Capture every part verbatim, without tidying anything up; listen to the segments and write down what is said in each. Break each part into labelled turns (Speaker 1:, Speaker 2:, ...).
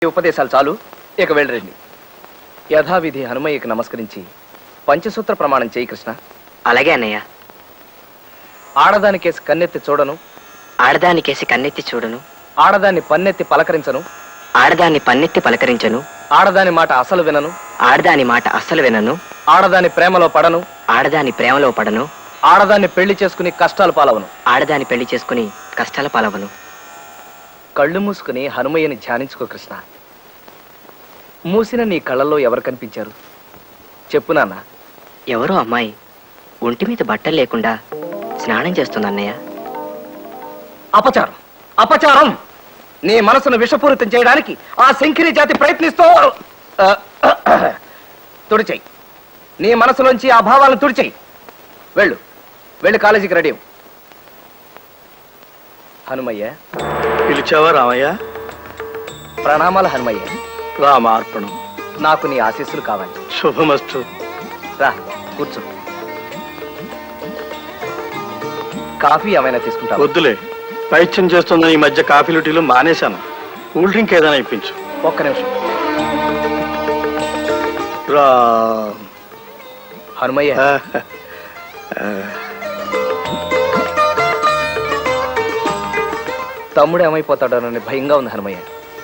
Speaker 1: ఉపదేశాలు చాలు, ఇక వెళ్ళరండి. యథావిధి హనుమయ్యకి నమస్కరించి పంచసూత్ర ప్రమాణం చేయి కృష్ణ.
Speaker 2: అలాగే అన్నయ్య.
Speaker 1: ఆడదాని కేసి కన్నెత్తి చూడను,
Speaker 2: ఆడదాని కేసి కన్నెత్తి చూడను,
Speaker 1: ఆడదాన్ని పన్నెత్తి పలకరించను,
Speaker 2: ఆడదాన్ని పన్నెత్తి పలకరించను,
Speaker 1: ఆడదాని మాట అసలు వినను,
Speaker 2: ఆడదాని మాట అస్సలు వినను,
Speaker 1: ఆడదాని ప్రేమలో పడను,
Speaker 2: ఆడదాని ప్రేమలో పడను,
Speaker 1: ఆడదాన్ని పెళ్లి చేసుకుని కష్టాలు పాలవను,
Speaker 2: ఆడదాని పెళ్లి చేసుకుని కష్టాల పాలవను.
Speaker 1: కళ్ళు మూసుకుని హనుమయ్యని ధ్యానించుకో కృష్ణ. మూసిన నీ కళ్ళల్లో ఎవరు కనిపించారు చెప్పు నాన్న.
Speaker 2: ఎవరో అమ్మాయి ఒంటి మీద బట్టలు లేకుండా స్నానం చేస్తుంది అన్నయ్య.
Speaker 1: అపచారం, అపచారం! నీ మనసును విషపూరితం చేయడానికి ఆ శంకిరి జాతి ప్రయత్నిస్తూ తుడిచేయి. నీ మనసులోంచి ఆ భావాలను తుడిచేయి. వెళ్ళు, వెళ్ళి కాలేజీకి రెడీ. హనుమయ్య.
Speaker 3: పిలిచావా రామయ్య?
Speaker 1: ప్రణామాలు హనుమయ్య.
Speaker 3: రామార్పణం.
Speaker 1: నాకు నీ ఆశీస్సులు కావాలి.
Speaker 3: శుభమస్తు.
Speaker 1: రా కూర్చో. కాఫీ ఏమైనా తీసుకుంటా?
Speaker 3: వద్దులే, పైత్యం చేస్తుందని ఈ మధ్య కాఫీలు టీలు మానేశాను. కూల్ డ్రింక్ ఏదైనా ఇప్పించు.
Speaker 1: ఒక్క నిమిషం.
Speaker 3: రా
Speaker 1: హనుమయ్య. తమ్ముడు ఏమైపోతాడోనని భయంగా ఉంది హనుమయ్య.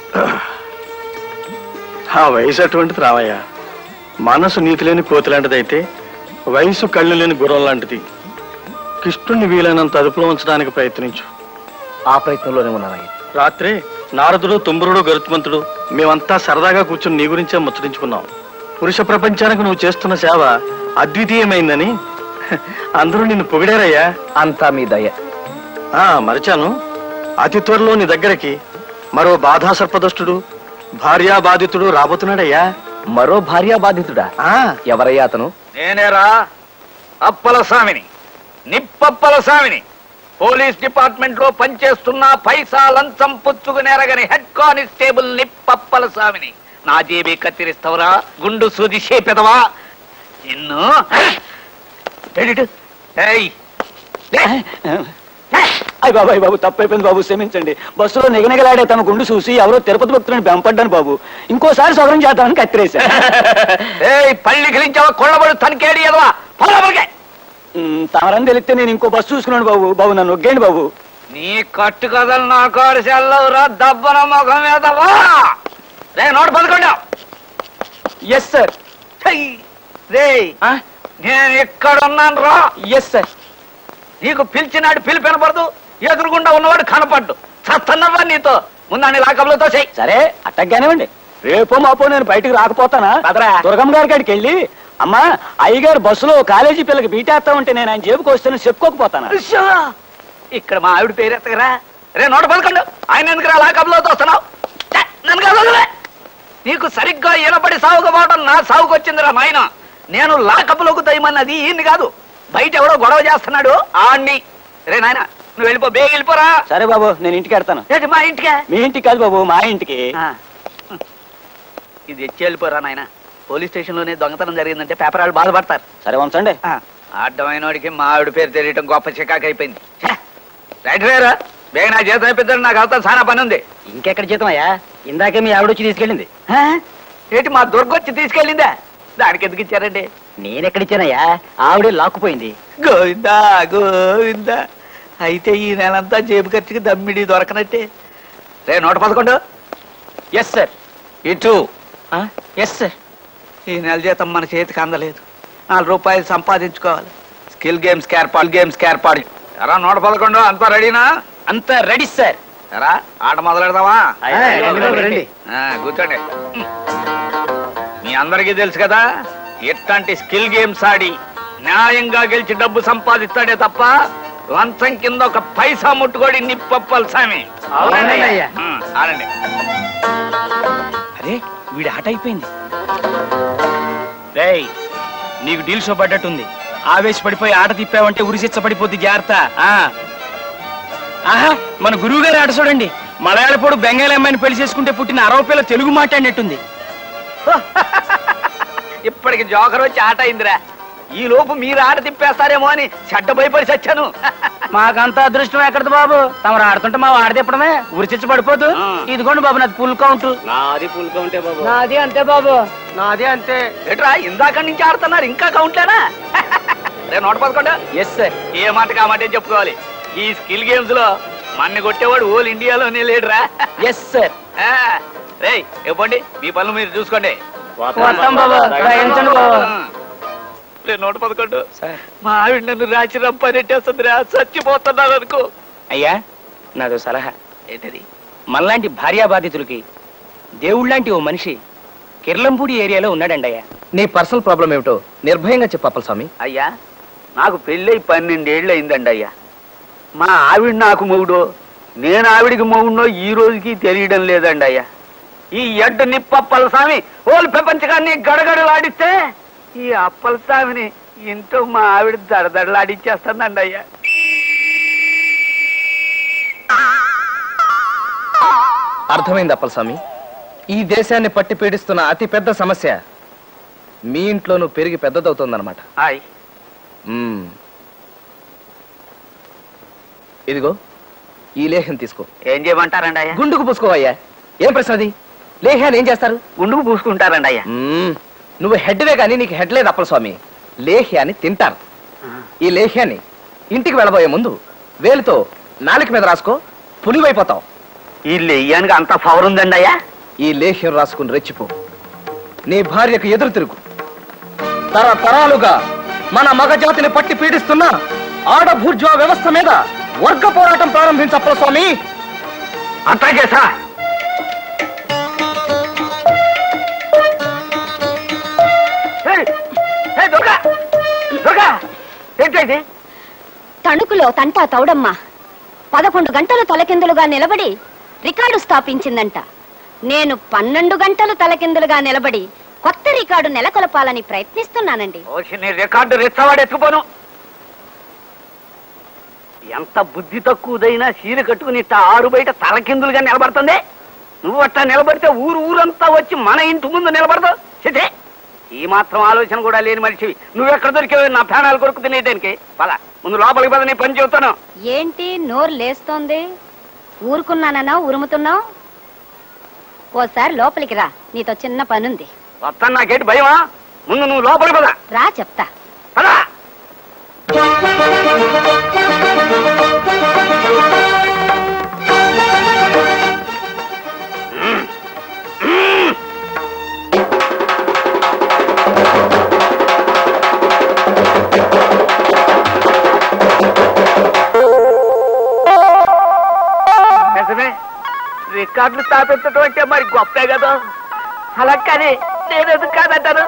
Speaker 3: ఆ వయసు అటువంటిది రామయ్య. మనసు నీతి లేని కోతి లాంటిదైతే వయసు కళ్ళు లేని గుర్రం లాంటిది. కృష్ణుణ్ణి వీలైనంత అదుపులో ఉంచడానికి ప్రయత్నించు.
Speaker 1: ఆ ప్రయత్నంలోనే ఉన్నానయ్య.
Speaker 3: రాత్రి నారదుడు, తుంబురుడు, గరుత్మంతుడు మేమంతా సరదాగా కూర్చుని నీ గురించే ముచ్చరించుకున్నాం. పురుష ప్రపంచానికి నువ్వు చేస్తున్న సేవ అద్వితీయమైందని అందరూ నిన్ను పొగిడారయ్యా.
Speaker 1: అంతా మీ దయ.
Speaker 3: ఆ మరిచాను, అతి త్వరలో నీ దగ్గరికి మరో బాధా సర్పదష్టుడు, భార్యా బాధితుడు రాబోతున్నాడయ్యా.
Speaker 1: మరో భార్యా బాధితుడా? ఎవరయ్యా అతను?
Speaker 4: నేనేరా, అప్పల స్వామిని, నిప్పప్పల స్వామిని. పోలీస్ డిపార్ట్మెంట్ లో పనిచేస్తున్న పైసా లంచం పుచ్చుకునేరగని హెడ్ కానిస్టేబుల్ నిప్పప్పల స్వామిని. నా జేబీ కత్తిరిస్తావరా, గుండు సూది చేపెదవా నిన్ను?
Speaker 5: అయ్య బాబు, అయ్య బాబు, తప్పైపోయింది బాబు, క్షమించండి. బస్సులో నిగనిగలాడే తమ గుండు చూసి ఎవరో తిరుపతి భక్తులను బెంపడ్డాను బాబు. ఇంకోసారి సవరం చేద్దామని కత్తిరేశా.
Speaker 4: పళ్ళి గిలించావా, కొళ్ళబడు తనికేడి ఎదవా.
Speaker 5: తమరని తెలిస్తే నేను ఇంకో బస్సు చూసుకున్నాను బాబు. బాబు నన్ను ఒగ్గేయండి బాబు.
Speaker 4: నీ కట్టు కథలు నా కాడు సెల్లవురా, దబ్బన ముఖం ఎదవా. రే నోటు పదకొండా.
Speaker 5: Yes sir.
Speaker 4: రే నేను ఎక్కడున్నాను రా.
Speaker 5: Yes sir.
Speaker 4: నీకు పిలిచినాడు పిలిపి వినపడదు, ఎదురుగుండా ఉన్నవాడు కనపడ్డు. చస్తున్నవా నీతో ముందాన్ని లాకబులతో చెయ్యి.
Speaker 5: సరే అట్టగ్గానేవ్వండి. రేపో మాపో నేను బయటకు రాకపోతానా? దుర్గమ్మ గారి కాడికి వెళ్ళి, అమ్మా అయ్యగారు బస్సులో కాలేజీ పిల్లకి బీటేస్తా ఉంటే నేను ఆయన జేబుకి వస్తాను చెప్పుకోకపోతానా?
Speaker 4: ఇక్కడ మా ఆవిడ పేరు ఎత్తగరా. రే నోట పదకొండు. ఆయన ఎందుకు రా లాకబులతో వస్తున్నావు? నన్ను కాదు, నీకు సరిగ్గా ఈనపడి సాగుకపోవడం నా సాగుకు వచ్చిందిరా నాయన. నేను లాకబులకు దయమన్నది ఈయన్ని కాదు, బయట ఎవడో గొడవ చేస్తున్నాడు ఆడిని. రే నాయన నువ్వు వెళ్ళిపో, బేగ వెళ్ళిపోరా.
Speaker 5: సరే బాబు, నేను ఇంటికి వెళ్తాను.
Speaker 4: ఏంటి మా ఇంటికే?
Speaker 5: మీ ఇంటికి కాదు బాబు, మా ఇంటికి.
Speaker 4: ఇది ఎచ్చి వెళ్ళిపోరా నాయన. పోలీస్ స్టేషన్ లోనే దొంగతనం జరిగిందంటే పేపర్ వాళ్ళు బాధపడతారు.
Speaker 5: సరే ఉంచండి.
Speaker 4: అడ్డమైనోడికి మా ఆవిడ పేరు తెలియటం గొప్ప చికాకు అయిపోయింది. రైట్ వేరా, బేగ నా జీతం అయిపోతాడు. నాకు అవుతా చాలా పని ఉంది.
Speaker 5: ఇంకెక్కడ జీతం అయ్యా? ఇందాకే మీ ఆవిడ వచ్చి తీసుకెళ్ళింది.
Speaker 4: ఏంటి మా దుర్గొచ్చి తీసుకెళ్ళిందా? దానికి ఎందుకు ఇచ్చారండి?
Speaker 5: నేనెక్కడిచ్చానయ్యా? ఆవిడే లాక్కుపోయింది.
Speaker 4: గోవిందా గోవిందా. అయితే ఈ నెలంతా జేబు ఖర్చుకి దమ్మిడి దొరకనట్టే. రే నూట పదకొండు.
Speaker 5: Yes sir.
Speaker 4: ఇటు.
Speaker 5: Yes sir.
Speaker 4: ఈ నెల జీతం మన చేతికి అందలేదు. నాలుగు రూపాయలు సంపాదించుకోవాలి. స్కిల్ గేమ్స్ ఏర్పాటు గేమ్స్ ఏర్పాటు. ఎరా నూట పదకొండు, అంతా రెడీనా?
Speaker 5: అంతా రెడీ సార్.
Speaker 4: ఎరా ఆట మొదలెడదామా?
Speaker 5: రండి.
Speaker 4: కూర్చోండి. మీ అందరికీ తెలుసు కదా, ఎట్లాంటి స్కిల్ గేమ్స్ ఆడి న్యాయంగా గెలిచి డబ్బు సంపాదిస్తాడే తప్ప లంచం కింద ఒక పైసా ముట్టుకోడి నిప్పప్పలు స్వామి. ఆడండి.
Speaker 5: అరే వీడి ఆట అయిపోయింది. రేయ్ నీకు డీల్ షో పడ్డట్టుంది. ఆవేశపడిపోయి ఆట తిప్పావంటే ఉరిశిచ్చ పడిపోద్ది, జాగ్రత్త. ఆహా, మన గురువు గారి ఆట చూడండి. మలయాళపోడు బెంగాలీ అమ్మాయిని పెళ్లి చేసుకుంటే పుట్టిన అరవ పిల్ల తెలుగు మాట్లాడినట్టుంది.
Speaker 4: ఇప్పటికి జోకర్ వచ్చి ఆట అయిందిరా. ఈ లోపు మీరు ఆడ తిప్పేస్తారేమో అని చెడ్డ భయపడి చచ్చాను.
Speaker 5: మాకంత అదృష్టం ఎక్కడది బాబు, తమరు ఆడుతుంటే మా వాడ తిప్పడమే ఉరిచిచ్చి పడిపోదు.
Speaker 4: ఆ.
Speaker 5: ఇదిగోండి బాబు నాది ఫుల్ కౌంట్.
Speaker 3: నాది ఫుల్ కౌంటే బాబు.
Speaker 5: నాది అంతే బాబు, నాది అంతే.
Speaker 4: ఏట్రా ఇందాక నుంచి ఆడుతున్నారు ఇంకా కౌంట్లేనా? రే నోట పదకొండ.
Speaker 5: Yes sir.
Speaker 4: ఏ మాట కామాటే చెప్పుకోవాలి. ఈ స్కిల్ గేమ్స్ లో మన్ని కొట్టేవాడు ఓల్ ఇండియాలోనే లేడురా.
Speaker 5: Yes sir.
Speaker 4: రే ఇవ్వండి మీ పనులు మీరు చూసుకోండి.
Speaker 5: వస్తాం బాబు, రాయించండి బాబు.
Speaker 4: రే నోట పదకొండు.
Speaker 5: సార్.
Speaker 4: మా ఆవిడ నన్ను రాచి రంపనెట్టేస్తుందిరా, చచ్చిపోతున్నాను అనుకో.
Speaker 5: అయ్యా నాదో సలహా.
Speaker 4: ఏంటది?
Speaker 5: మనలాంటి భార్యా బాధితులకి దేవుళ్ళంటి ఓ మనిషి కిర్లంపూడి ఏరియాలో ఉన్నాడండి అయ్యా.
Speaker 1: నీ పర్సనల్ ప్రాబ్లం ఏమిటో నిర్భయంగా చెప్పు అప్పలస్వామి.
Speaker 4: అయ్యా నాకు పెళ్ళై పన్నెండేళ్ళు అయిందండి అయ్యా. మా ఆవిడ నాకు మొగుడో నేను ఆవిడికి మొగుడో ఈ రోజుకి తెలియడం లేదండి అయ్యా. ఈ ఎడ్డు నిప్పప్పల స్వామి ఓలు ప్రపంచకాన్ని గడగడలాడిస్తే ఈ అప్పల స్వామిని ఇంట్లో మా ఆవిడ దడదడలాడిచ్చేస్తుందండి అయ్యా.
Speaker 1: అర్థమైంది అప్పలస్వామి. ఈ దేశాన్ని పట్టి పీడిస్తున్న అతి పెద్ద సమస్య మీ ఇంట్లోనూ పెరిగి పెద్దదవుతోందన్నమాట.
Speaker 4: హాయ్
Speaker 1: మ్మ్. ఇదిగో ఈ లేహ్యం తీసుకో.
Speaker 4: ఏం చేయమంటారండి అయ్యా?
Speaker 1: గుండుకు పూసుకోవయ్యా. ఏం ప్రశ్న అది? లేహ్యాన్ని ఏం చేస్తారు?
Speaker 4: గుండుకు పూసుకుంటారండి అయ్యా.
Speaker 1: మ్మ్. నువ్వు హెడ్వే కానీ నీకు హెడ్ లేదు అప్పలస్వామి. లేహ్యాన్ని తింటారు. ఈ లేహ్యాన్ని ఇంటికి వెళ్ళబోయే ముందు వేలుతో నాలుక మీద రాసుకో, పులివైపోతావు.
Speaker 4: ఈ లెయ్యానికి అంత పవర్ ఉందండి అయ్యా.
Speaker 1: ఈ లేహ్యం రాసుకుని రెచ్చిపో. నీ భార్యకు ఎదురు తిరుగు. తరతరాలుగా మన మగజాతిని పట్టి పీడిస్తున్న ఆడభూర్జా వ్యవస్థ మీద వర్గ పోరాటం ప్రారంభించప్పల స్వామి.
Speaker 4: అట్లాగే సార్. ఏంటండి?
Speaker 6: తణుకులో తంటా తౌడమ్మ పదకొండు గంటలు తలకిందులుగా నిలబడి రికార్డు స్థాపించిందంట. నేను పన్నెండు గంటలు తలకిందులుగా నిలబడి కొత్త రికార్డు నెలకొల్పాలని ప్రయత్నిస్తున్నానండి.
Speaker 4: నీ రికార్డు రెచ్చవాడు ఎత్తుకుపోను. ఎంత బుద్ధి తక్కువదైనా చీర కట్టుకుని ఇట్ట ఆరు బయట తలకిందులుగా నిలబడుతుంది. నువ్వు అట్టా నిలబడితే ఊరు ఊరంతా వచ్చి మన ఇంటి ముందు నిలబడతావు. చిటే ఈ మాత్రం ఆలోచన కూడా లేని మనిషివి. నువ్వెక్కడ దొరికేవి నా ప్రాణాలు కొరకు తినేదానికి? పద ముందు లోపలికి పద, నీ పని చెబుతాను.
Speaker 6: ఏంటి నోరు లేస్తోంది? ఊరుకున్నానన్నా ఉరుముతున్నావు? ఓసారి లోపలికి రా, నీతో చిన్న పనుంది.
Speaker 4: వస్తాను, నాకేంటి భయమా? ముందు నువ్వు లోపలికి పద.
Speaker 6: రా చెప్తా.
Speaker 4: పద. రికార్డులు స్థాపించడం అంటే మరి గొప్పే కదా. అలా కానీ నేను ఎందుకు కాదంటాను?